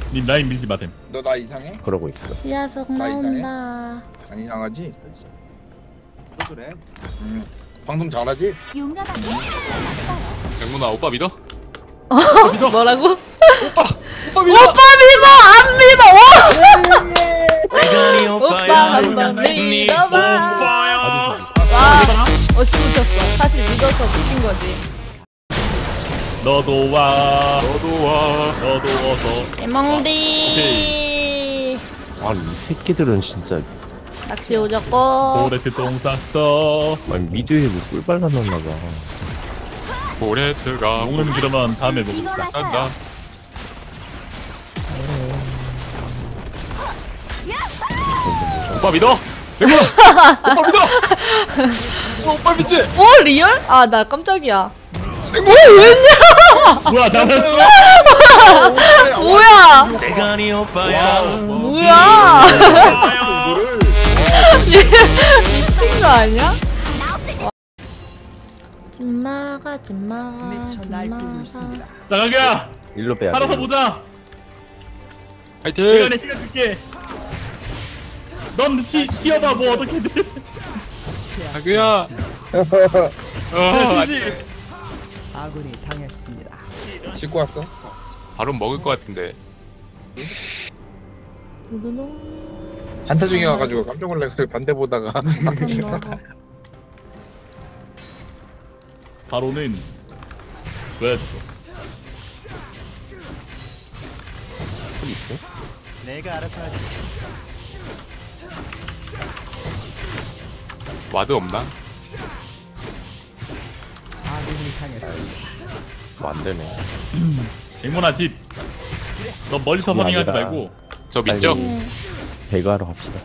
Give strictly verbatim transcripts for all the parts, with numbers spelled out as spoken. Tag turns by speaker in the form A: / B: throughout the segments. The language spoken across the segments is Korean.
A: 님 라인 밀지 마셈.
B: 너 나 이상해?
C: 그러고 있어.
D: 지하석
B: 나 이상해?
D: 나온다.
B: 안 이상하지?
E: 또 그래.
B: 응. 방송 잘하지?
F: 용감하게
G: 백문아 오빠 믿어?
D: 뭐라고?
G: 오빠 오빠 믿어.
D: 오빠 믿어! 안 믿어! 오! 오빠 한번 믿어봐. 와, 어찌 붙였어. 사실 믿어서 붙인 거지.
A: 너도 와.
G: 너도 와.
A: 너도 어서.
D: 개멍디.
C: 아니 이 새끼들은 진짜.
D: 낚시 오졌고.
A: 오레트 똥 쌌어.
C: 아니 미드에 뭐꿀 발라놨나봐.
G: 모레트가
A: 용은 그러면 다음에
F: 이거
A: 먹읍시다.
F: 마셔요.
G: 간다. 오빠 믿어. 백문아 오빠 믿어. 어, 오빠 믿지?
D: 오, 리얼? 아, 나 깜짝이야.
G: 백문아.
A: 뭐야 잘했어.
D: 뭐야?
H: 내가 네 오빠야.
D: 뭐야? 미친 거 아니야? 찐마가 찐마가
H: 미쳐 날뛰고
D: 찐마가.
H: 있습니다.
A: 자 가기야.
C: 일로 빼야
A: 살아서
C: 돼.
A: 보자.
G: 파이팅.
A: 내가 내 시간 줄게. 넌 튀, 튀어봐 뭐 어떻게든.
G: 자규야. 어,
A: 튀지.
H: 아군이 당했습니다.
B: 씻고 왔어?
G: 바로 먹을 것 같은데.
D: 두두둥.
B: 한타 중에 와가지고 깜짝 놀라서 반대 보다가
A: 바로는 왜?
H: 내가 알아서 하지.
G: 와드 없나?
H: 아군이 당했습니다.
C: 뭐 안 되네.
A: 백문아 집. 너 멀리서
C: 그게
A: 파밍하지
C: 아니라.
A: 말고.
G: 저 믿죠?
C: 배가하러 갑시다.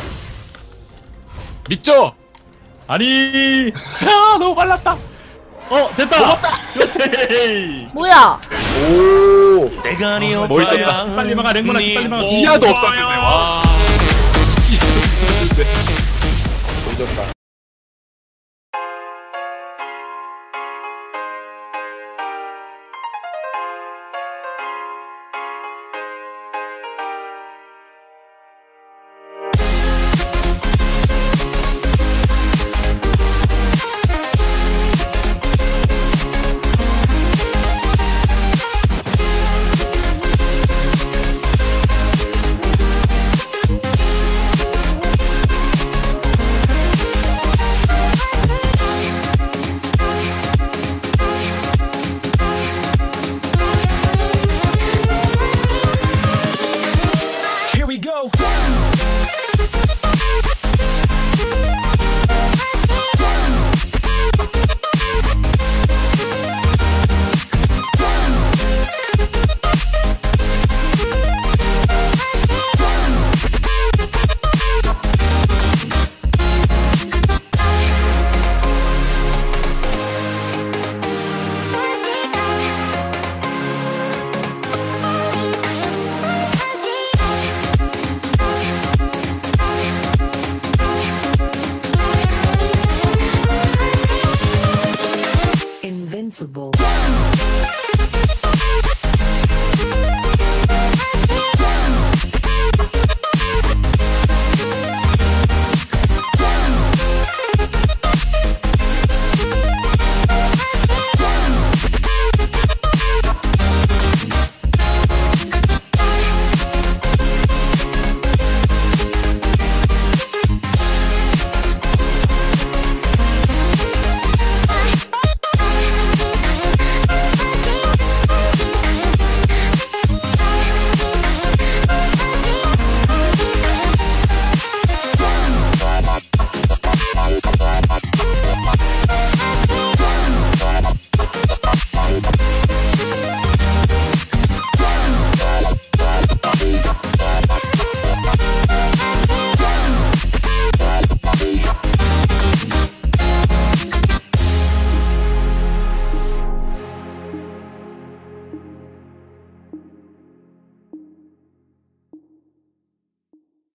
G: 믿죠?
A: 아니.
G: 아 너무 빨랐다.
A: 어 됐다. 그렇지.
D: 뭐야?
B: 오
H: 내가 네
G: 아,
H: 오빠야.
G: 멋있었다.
A: 빨리 막아 랭모나
H: 네
A: 빨리 막아.
G: 지하도 없었는데 와.
B: 조졌다